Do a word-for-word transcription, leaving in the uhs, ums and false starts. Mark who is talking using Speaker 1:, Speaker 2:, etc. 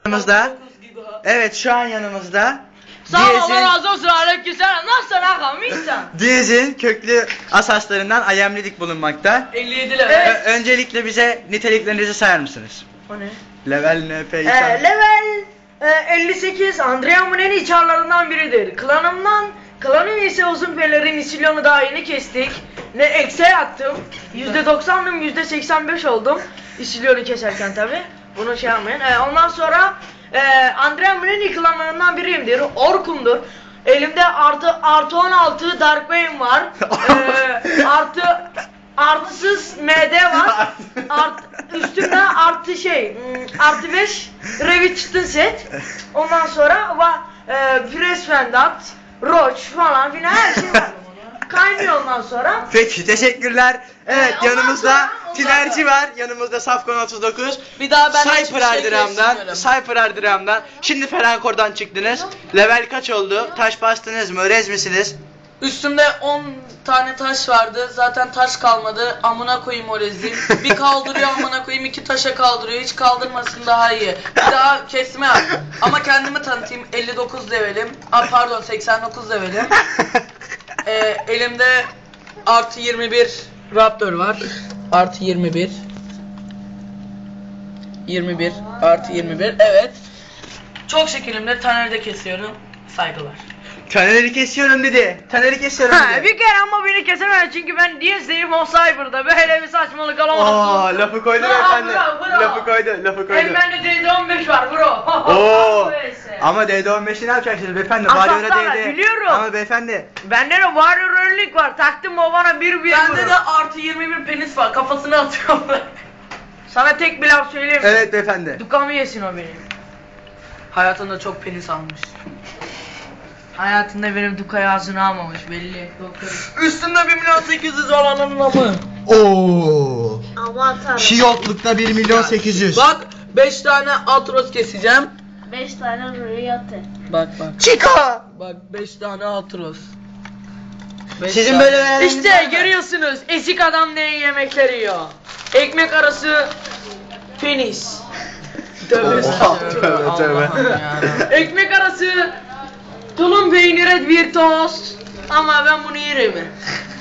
Speaker 1: Yanımızda. Evet, şu an yanımızda.
Speaker 2: Sağ ol, Allah razı olsun, aleykümselam. Nasılsın ağam, iyisin?
Speaker 1: Diyez'in köklü asaslarından ayemlilik bulunmakta.
Speaker 2: elli yedi level.
Speaker 1: Ö- öncelikle bize niteliklerinizi sayar mısınız?
Speaker 2: O ne?
Speaker 1: Level ne peki?
Speaker 2: Ee, level e, elli sekiz, Andrea Muneni çarlarından biridir. Klanımdan, klanım ise uzun pelerin isilyonu daha yeni kestik. Ne eksiğe attım. yüzde doksandım, yüzde seksen beş oldum. İsilyonu keserken tabi. Bunu şey yapmayın. Ee, ondan sonra e, Andrea Muneni klanlarından biriyimdir. Orkum'dur. Elimde artı artı on altı Dark Bane var. Ee, artı artısız M D var. Art, üstünde artı şey artı beş Revitch'tin set. Ondan sonra va, e, Press Vendat, Roach falan filan her şey var. Kaynıyor ondan sonra.
Speaker 1: Peki, teşekkürler. Evet,
Speaker 2: Ee, ondan
Speaker 1: yanımızda
Speaker 2: sonra- ondan
Speaker 1: Tinerci
Speaker 2: sonra-
Speaker 1: var. Yanımızda Safkan otuz dokuz.
Speaker 2: Bir daha ben hiçbir
Speaker 1: Cypher
Speaker 2: şey
Speaker 1: Ardram'dan,
Speaker 2: kesmiyorum.
Speaker 1: Cypher Ardram'dan. Şimdi Ferankor'dan çıktınız. Level kaç oldu? Taş bastınız mı? Rez misiniz?
Speaker 3: Üstümde on tane taş vardı. Zaten taş kalmadı. Amına koyayım o rezil. Bir kaldırıyor amına koyayım, iki taşa kaldırıyor. Hiç kaldırmasın daha iyi. Bir daha kesme yap. Ama kendimi tanıtayım. elli dokuz levelim. Aa, pardon seksen dokuz levelim. Ee, elimde artı yirmi bir Raptor var. Artı yirmi bir. yirmi bir artı yirmi bir. Evet. Çok şekilimde Taner'de kesiyorum. Saygılar.
Speaker 1: Taner'i kesiyorum dedi. Taner'i kesiyorum
Speaker 2: Ha,
Speaker 1: dedi.
Speaker 2: bir kere ama beni kesemez çünkü ben Diyez'deyim o Cyber'da. Böyle bir saçmalık
Speaker 1: Aa,
Speaker 2: alamazsın.
Speaker 1: lafı koydu
Speaker 2: Bravo,
Speaker 1: efendi.
Speaker 2: bravo, bravo.
Speaker 1: Lafı koydu, lafı koydu.
Speaker 2: Hem bende D D on beş var bro.
Speaker 1: Oo.
Speaker 2: Neyse.
Speaker 1: Ama D D on beşi ne yapacaksınız beyefendi?
Speaker 2: Asaslarla,
Speaker 1: Warrior'a D D.
Speaker 2: biliyorum.
Speaker 1: Ama beyefendi.
Speaker 2: Bende de Warrior Önlük var. Taktım o bana bir bir
Speaker 3: Bende
Speaker 2: vurur.
Speaker 3: de artı yirmi bir penis var. Kafasına atıyorum.
Speaker 2: Sana tek bir laf söyleyeyim mi?
Speaker 1: Evet beyefendi.
Speaker 2: Dukamı yesin o benim.
Speaker 3: Hayatında çok penis almış.
Speaker 2: Hayatında benim Duka'yı ağzına almamış belli.
Speaker 3: Üstünde bir milyon sekiz yüz olanın namı.
Speaker 1: Oo.
Speaker 4: Aman tanrım.
Speaker 1: Şiyotlukta bir milyon sekiz yüz.
Speaker 3: Bak beş tane Atros keseceğim.
Speaker 4: beş tane rüyatı.
Speaker 3: Bak bak.
Speaker 1: Chico.
Speaker 3: Bak beş tane Atros. Beş
Speaker 1: Sizin
Speaker 3: tane.
Speaker 1: böyle hayaliniz var
Speaker 2: İşte
Speaker 1: mı?
Speaker 2: görüyorsunuz ezik adam ne yemekleri yiyor. Ekmek arası penis. Tövbe
Speaker 1: Oha,
Speaker 2: estağfurullah.
Speaker 1: tövbe, tövbe.
Speaker 3: Allah'ım yarabbim.
Speaker 2: Ekmek arası tulum peyniri bir tost. Ama ben bunu yerim.